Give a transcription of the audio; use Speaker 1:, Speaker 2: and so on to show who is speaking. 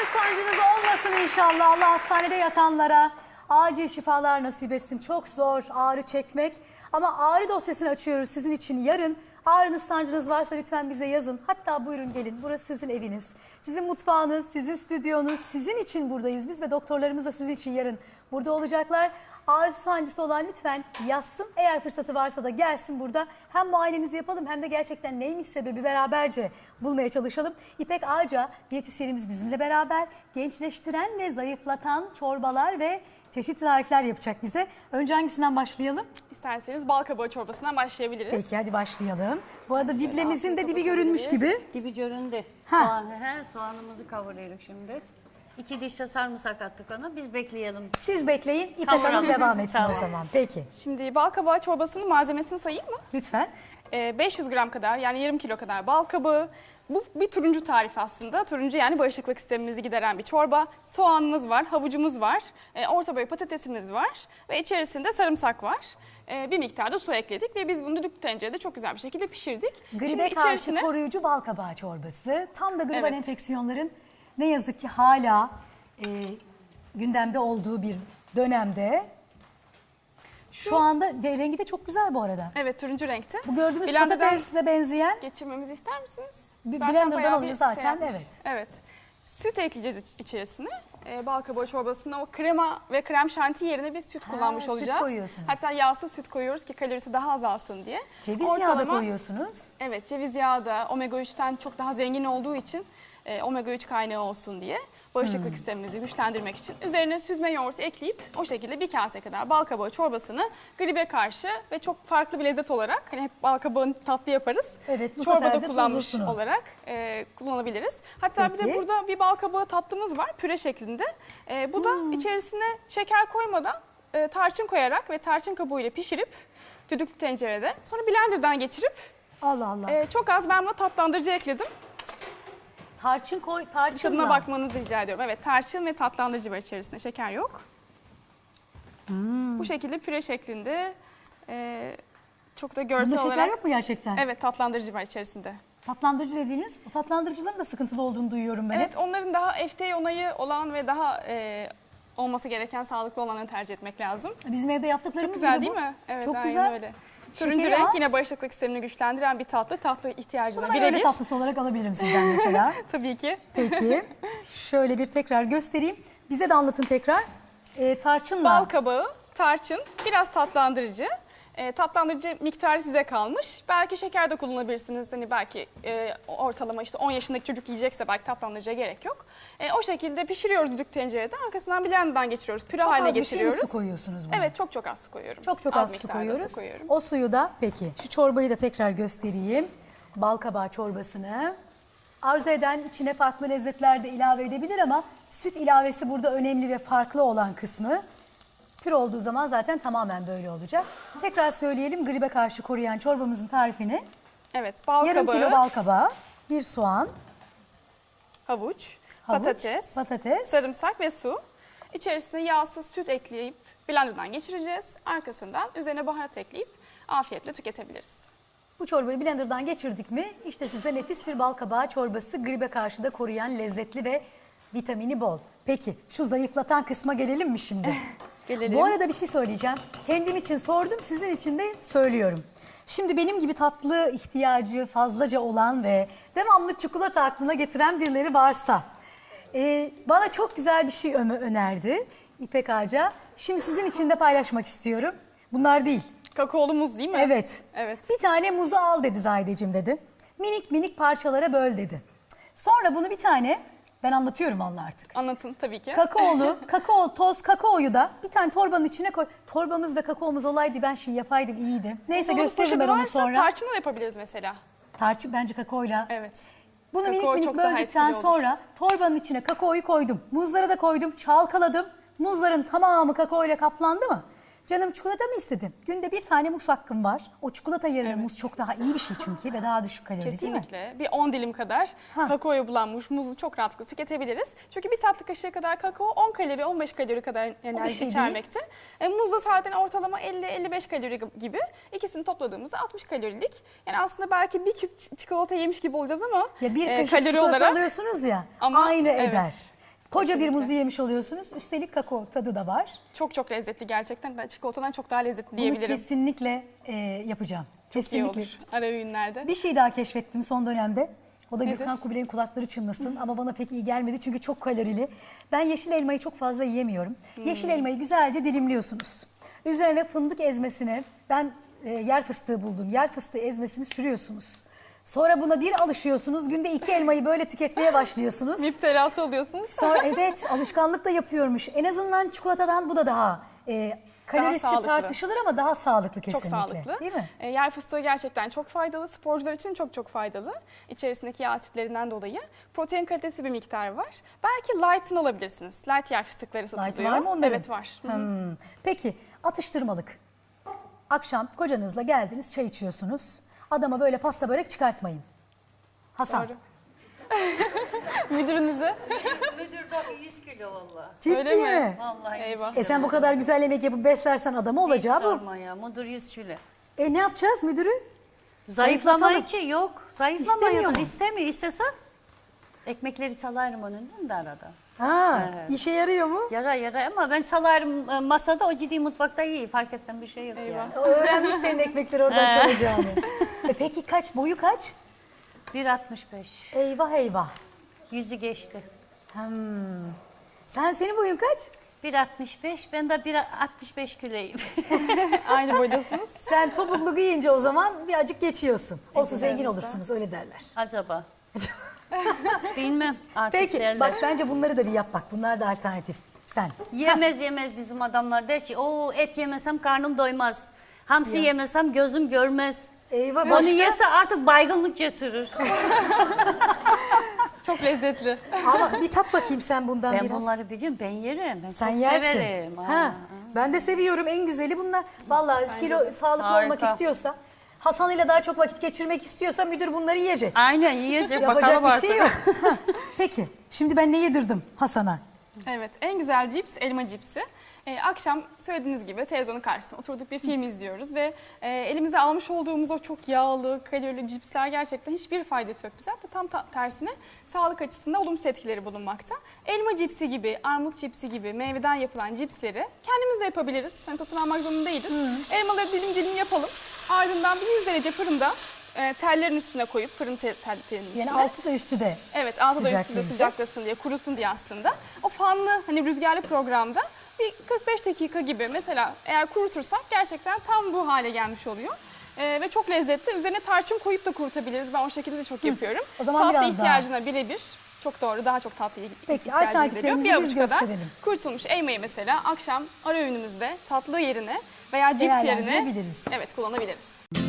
Speaker 1: sancınız olmasın inşallah. Allah hastanede yatanlara acil şifalar nasip etsin. Çok zor ağrı çekmek. Ama ağrı dosyasını açıyoruz sizin için yarın. Ağrınız, sancınız varsa lütfen bize yazın. Hatta buyurun gelin. Burası sizin eviniz. Sizin mutfağınız, sizin stüdyonuz. Sizin için buradayız. Biz ve doktorlarımız da sizin için yarın burada olacaklar. Ağrısı, sancısı olan lütfen yazsın. Eğer fırsatı varsa da gelsin burada. Hem muayenemizi yapalım hem de gerçekten neymiş sebebi beraberce bulmaya çalışalım. İpek Ağca diyetisyenimiz bizimle beraber gençleştiren ve zayıflatan çorbalar ve çeşitli tarifler yapacak bize. Önce hangisinden başlayalım?
Speaker 2: İsterseniz bal kabağı çorbasından başlayabiliriz.
Speaker 1: Peki hadi başlayalım. Bu arada diblemizin de dibi görünmüş gibi.
Speaker 3: Dibi göründü.
Speaker 1: Ha.
Speaker 3: Soğanımızı kavuruyoruz şimdi. 2 diş de sarımsak attık ona. Biz bekleyelim.
Speaker 1: Siz bekleyin, İpek
Speaker 3: Kavuralım.
Speaker 1: Hanım devam etsin
Speaker 3: Tamam.
Speaker 1: o zaman. Peki,
Speaker 2: Şimdi bal kabağı çorbasının malzemesini sayayım mı?
Speaker 1: lütfen.
Speaker 2: 500 gram kadar yani yarım kilo kadar bal kabağı. Bu bir turuncu tarif aslında. Turuncu yani bağışıklık sistemimizi gideren bir çorba. Soğanımız var, havucumuz var, orta boy patatesimiz var ve içerisinde sarımsak var. Bir miktar da su ekledik ve biz bunu düdüklü tencerede çok güzel bir şekilde pişirdik.
Speaker 1: Gribe karşı koruyucu bal kabağı çorbası. Tam da gribal
Speaker 2: Evet.
Speaker 1: enfeksiyonların ne yazık ki hala gündemde olduğu bir dönemde. Şu anda ve rengi de çok güzel bu arada.
Speaker 2: Evet, turuncu renkte.
Speaker 1: Bu gördüğümüz
Speaker 2: Blender'dan
Speaker 1: patatesle benzeyen
Speaker 2: geçirmemizi ister misiniz?
Speaker 1: Blender'dan
Speaker 2: bayağı
Speaker 1: alıyoruz
Speaker 2: bir
Speaker 1: zaten,
Speaker 2: yapmış.
Speaker 1: evet.
Speaker 2: Evet. Süt ekleyeceğiz içerisine. Bal kabağı çorbasında o krema ve krem şanti yerine biz süt kullanmış
Speaker 1: süt
Speaker 2: olacağız.
Speaker 1: koyuyorsunuz.
Speaker 2: Hatta yağsız süt koyuyoruz ki kalorisi daha azalsın diye.
Speaker 1: ceviz yağı da koyuyorsunuz.
Speaker 2: Evet, ceviz yağı da omega 3'ten çok daha zengin olduğu için omega 3 kaynağı olsun diye bağışıklık sistemimizi güçlendirmek için üzerine süzme yoğurt ekleyip o şekilde bir kase kadar bal kabağı çorbasını gribe karşı ve çok farklı bir lezzet olarak hani hep bal kabağını tatlı yaparız.
Speaker 1: Evet, bu sefer
Speaker 2: çorbada
Speaker 1: de
Speaker 2: kullanmış
Speaker 1: tuzlusunu.
Speaker 2: olarak kullanabiliriz. Hatta bir
Speaker 1: Peki.
Speaker 2: de burada bir bal kabağı tatlımız var püre şeklinde. Bu da içerisine şeker koymadan tarçın koyarak ve tarçın kabuğuyla pişirip düdüklü tencerede sonra blenderdan geçirip
Speaker 1: Allah Allah.
Speaker 2: çok az ben buna tatlandırıcı ekledim.
Speaker 1: Tarçın koy, tarçınla.
Speaker 2: Tadına bakmanızı rica ediyorum. Evet, tarçın ve tatlandırıcı var içerisinde. Şeker yok. Bu şekilde püre şeklinde çok da görsel
Speaker 1: Bunda şeker
Speaker 2: olarak...
Speaker 1: yok mu gerçekten?
Speaker 2: Evet, tatlandırıcı var içerisinde.
Speaker 1: Tatlandırıcı dediğiniz, o tatlandırıcıların da sıkıntılı olduğunu duyuyorum ben.
Speaker 2: Evet, onların daha FDA onayı olan ve daha olması gereken sağlıklı olanı tercih etmek lazım.
Speaker 1: Bizim evde yaptıklarımız
Speaker 2: Çok güzel
Speaker 1: gibi
Speaker 2: değil
Speaker 1: bu.
Speaker 2: mi? Evet,
Speaker 1: Çok
Speaker 2: aynen
Speaker 1: güzel.
Speaker 2: öyle.
Speaker 1: Şekeri
Speaker 2: Turuncu renk
Speaker 1: az.
Speaker 2: yine bağışıklık sistemini güçlendiren bir tatlı. Tatlı ihtiyacına
Speaker 1: Bunu ben öyle
Speaker 2: birebir.
Speaker 1: tatlısı olarak alabilirim sizden mesela.
Speaker 2: Tabii ki.
Speaker 1: Peki, şöyle bir tekrar göstereyim. Bize de anlatın tekrar. Tarçınla.
Speaker 2: Bal kabağı, tarçın, biraz tatlandırıcı. Tatlandırıcı miktarı size kalmış. Belki şeker de kullanabilirsiniz. Hani belki ortalama işte 10 yaşındaki çocuk yiyecekse belki tatlandırıcıya gerek yok. O şekilde pişiriyoruz düdük tencerede. Arkasından blenderdan geçiriyoruz. Püre
Speaker 1: çok
Speaker 2: haline
Speaker 1: az bir şey mi
Speaker 2: getiriyoruz.
Speaker 1: su koyuyorsunuz buna?
Speaker 2: Evet, çok az su koyuyorum.
Speaker 1: Çok az su
Speaker 2: miktarda
Speaker 1: koyuyoruz.
Speaker 2: su koyuyorum.
Speaker 1: O suyu da peki. Şu çorbayı da tekrar göstereyim. Bal kabağı çorbasını. Arzu eden içine farklı lezzetler de ilave edebilir ama süt ilavesi burada önemli ve farklı olan kısmı. Püre olduğu zaman zaten tamamen böyle olacak. Tekrar söyleyelim gribe karşı koruyan çorbamızın tarifini.
Speaker 2: Evet, bal
Speaker 1: Yarım
Speaker 2: kabağı,
Speaker 1: kilo bal kabağı, bir soğan,
Speaker 2: havuç,
Speaker 1: havuç,
Speaker 2: patates, sarımsak ve su. İçerisine yağsız süt ekleyip blenderdan geçireceğiz. Arkasından üzerine baharat ekleyip afiyetle tüketebiliriz.
Speaker 1: Bu çorbayı blenderdan geçirdik mi işte size nefis bir bal kabağı çorbası, gribe karşı da koruyan, lezzetli ve vitamini bol. Peki şu zayıflatan kısma gelelim mi şimdi?
Speaker 2: Gelelim.
Speaker 1: Bu arada bir şey söyleyeceğim. Kendim için sordum, sizin için de söylüyorum. Şimdi benim gibi tatlı ihtiyacı fazlaca olan ve devamlı çikolata aklına getiren birileri varsa bana çok güzel bir şey önerdi İpek Ağca. Şimdi sizin için de paylaşmak istiyorum. Bunlar değil.
Speaker 2: Kakaolu muz değil mi?
Speaker 1: Evet.
Speaker 2: Evet.
Speaker 1: Bir tane muzu al dedi Zahideciğim dedi. Minik minik parçalara böl dedi. Sonra bunu bir tane, ben anlatıyorum Allah artık.
Speaker 2: Anlatın tabii ki.
Speaker 1: Toz kakaoyu da bir tane torbanın içine koy. Torbamız ve kakaomuz olaydı, ben şimdi yapaydım, iyiydi. Neyse
Speaker 2: Olur,
Speaker 1: gösteririm ben
Speaker 2: poşeti
Speaker 1: onu
Speaker 2: varsa
Speaker 1: sonra.
Speaker 2: tarçınla da yapabiliriz mesela.
Speaker 1: Tarçın bence kakaoyla.
Speaker 2: Evet.
Speaker 1: Bunu
Speaker 2: Kakao
Speaker 1: minik minik
Speaker 2: çok daha
Speaker 1: böldükten
Speaker 2: etkili olur.
Speaker 1: sonra torbanın içine kakaoyu koydum. Muzları da koydum, çalkaladım. Muzların tamamı kakaoyla kaplandı mı? Canım çikolata mı istedim? Günde bir tane muz hakkım var. O çikolata yerine muz çok daha iyi bir şey çünkü ve daha düşük kalorili değil mi?
Speaker 2: Kesinlikle. Bir 10 dilim kadar kakaoya bulanmış muzu çok rahatlıkla tüketebiliriz. Çünkü bir tatlı kaşığı kadar kakao 10 kalori, 15 kalori kadar enerji
Speaker 1: şey
Speaker 2: içermekte. Muz da zaten ortalama 50-55 kalori gibi. İkisini topladığımızda 60 kalorilik. Yani aslında belki bir küp çikolata yemiş gibi olacağız ama
Speaker 1: Ya bir kaşık
Speaker 2: kalori
Speaker 1: çikolata
Speaker 2: olarak
Speaker 1: alıyorsunuz ya,
Speaker 2: Ama
Speaker 1: aynı
Speaker 2: evet.
Speaker 1: eder. Koca bir
Speaker 2: Kesinlikle.
Speaker 1: muzu yemiş oluyorsunuz. Üstelik kakao tadı da var.
Speaker 2: Çok çok lezzetli gerçekten. Çikolatadan çok daha lezzetli
Speaker 1: Bunu
Speaker 2: diyebilirim.
Speaker 1: kesinlikle yapacağım.
Speaker 2: Çok iyi
Speaker 1: Kesinlikle.
Speaker 2: olur ara öğünlerde.
Speaker 1: Bir şey daha keşfettim son dönemde. O da
Speaker 2: Nedir?
Speaker 1: Gürkan Kubilay'ın kulakları çınlasın ama bana pek iyi gelmedi çünkü çok kalorili. Ben yeşil elmayı çok fazla yiyemiyorum. Yeşil elmayı güzelce dilimliyorsunuz. Üzerine fındık ezmesini, ben yer fıstığı buldum. Yer fıstığı ezmesini sürüyorsunuz. Sonra buna bir alışıyorsunuz. Günde 2 elmayı böyle tüketmeye başlıyorsunuz.
Speaker 2: Müptelası oluyorsunuz.
Speaker 1: Sonra evet alışkanlık da yapıyormuş. En azından çikolatadan bu da daha kalorisi
Speaker 2: sağlıklı.
Speaker 1: tartışılır ama daha sağlıklı kesinlikle.
Speaker 2: Çok sağlıklı.
Speaker 1: Değil mi?
Speaker 2: Yer fıstığı gerçekten çok faydalı. Sporcular için çok çok faydalı. İçerisindeki yağ asitlerinden dolayı. Protein kalitesi bir miktar var. Belki light'ını alabilirsiniz. Light yer fıstıkları satılıyor.
Speaker 1: Light var mı onların?
Speaker 2: Evet var.
Speaker 1: Peki atıştırmalık. Akşam kocanızla geldiniz çay içiyorsunuz. Adama böyle pasta börek çıkartmayın. Hasan.
Speaker 2: Doğru. Müdürünüze.
Speaker 3: Müdür de 100 kilo valla.
Speaker 1: Ciddi
Speaker 2: Öyle mi?
Speaker 1: mi?
Speaker 3: Vallahi
Speaker 2: Eyvah.
Speaker 1: Sen bu kadar güzel yemek yapıp beslersen adamı olacağı bu.
Speaker 3: Sorma ya. Müdür 100 kilo.
Speaker 1: Ne yapacağız müdürü?
Speaker 3: Zayıflama
Speaker 1: Zayıflatalım.
Speaker 3: için yok. Zayıflama
Speaker 1: İstemiyor
Speaker 3: yok.
Speaker 1: mu?
Speaker 3: İstemiyor. İstese ekmekleri çalarım önünden de arada.
Speaker 1: Ha,
Speaker 3: Evet.
Speaker 1: işe yarıyor mu?
Speaker 3: Yara ama ben çalarım masada, o ciddi mutfakta iyi. Fark etmem bir şey yok
Speaker 2: Eyvah.
Speaker 3: yani.
Speaker 1: O öğrenmiş senin ekmekleri oradan çalacağını. Peki kaç? Boyu kaç?
Speaker 3: 1.65.
Speaker 1: Eyvah eyvah.
Speaker 3: Yüzü geçti.
Speaker 1: Senin boyun kaç?
Speaker 3: 1.65. Ben de 1.65 kiloyum.
Speaker 2: Aynı boydasınız.
Speaker 1: Sen topuklu giyince o zaman birazcık geçiyorsun. Olsun zengin olursunuz öyle derler.
Speaker 3: Acaba? Bilmem artık
Speaker 1: Peki
Speaker 3: derler.
Speaker 1: bak bence bunları da bir yap bak. Bunlar da alternatif. Sen.
Speaker 3: Yemez bizim adamlar der ki o et yemesem karnım doymaz. Hamsi yemesem gözüm görmez.
Speaker 1: Eyvah
Speaker 3: Onu
Speaker 1: başka.
Speaker 3: yese artık baygınlık getirir.
Speaker 2: Çok lezzetli.
Speaker 1: Ama bir tat bakayım sen bundan
Speaker 3: Ben
Speaker 1: biraz.
Speaker 3: bunları biliyorum, ben yerim. Ben
Speaker 1: Sen
Speaker 3: çok
Speaker 1: yersin.
Speaker 3: severim.
Speaker 1: Ha. Ben de seviyorum en güzeli bunlar. Vallahi kilo sağlıklı
Speaker 3: Harika.
Speaker 1: olmak istiyorsa, Hasan ile daha çok vakit geçirmek istiyorsa müdür bunları yiyecek.
Speaker 3: Aynen yiyecek,
Speaker 1: Yapacak
Speaker 3: bakalım
Speaker 1: bir
Speaker 3: artık.
Speaker 1: şey yok. Ha, peki şimdi ben ne yedirdim Hasan'a?
Speaker 2: Evet, en güzel cips elma cipsi. Akşam söylediğiniz gibi televizyonun karşısında oturduk bir film izliyoruz ve elimize almış olduğumuz o çok yağlı, kalorili cipsler gerçekten hiçbir faydası yok bize. Hatta tam tersine sağlık açısından olumsuz etkileri bulunmakta. Elma cipsi gibi, armut cipsi gibi meyveden yapılan cipsleri kendimiz de yapabiliriz. Hani satın almak zorunda değiliz. Elmaları dilim dilim yapalım. Ardından 100 derece fırında tellerin üstüne koyup fırın tellerinin üstüne.
Speaker 1: Yani altı da üstü de.
Speaker 2: Evet, altı da üstünde
Speaker 1: Sıcaklayacak.
Speaker 2: sıcaklasın diye, kurusun diye aslında. O fanlı hani rüzgarlı programda bir 45 dakika gibi mesela eğer kurutursak gerçekten tam bu hale gelmiş oluyor. Ve çok lezzetli. Üzerine tarçın koyup da kurutabiliriz. Ben o şekilde de çok yapıyorum.
Speaker 1: O zaman
Speaker 2: tatlı
Speaker 1: biraz
Speaker 2: ihtiyacına birebir. Çok doğru. Daha çok tatlı
Speaker 1: Peki,
Speaker 2: ihtiyacı
Speaker 1: alternatiflerimizi
Speaker 2: gideriyor. Bir
Speaker 1: biz
Speaker 2: avuç kadar
Speaker 1: gösterelim.
Speaker 2: kurutulmuş elmayı mesela akşam ara öğünümüzde tatlı yerine veya cips yerine
Speaker 1: Değerlendirebiliriz.
Speaker 2: evet kullanabiliriz.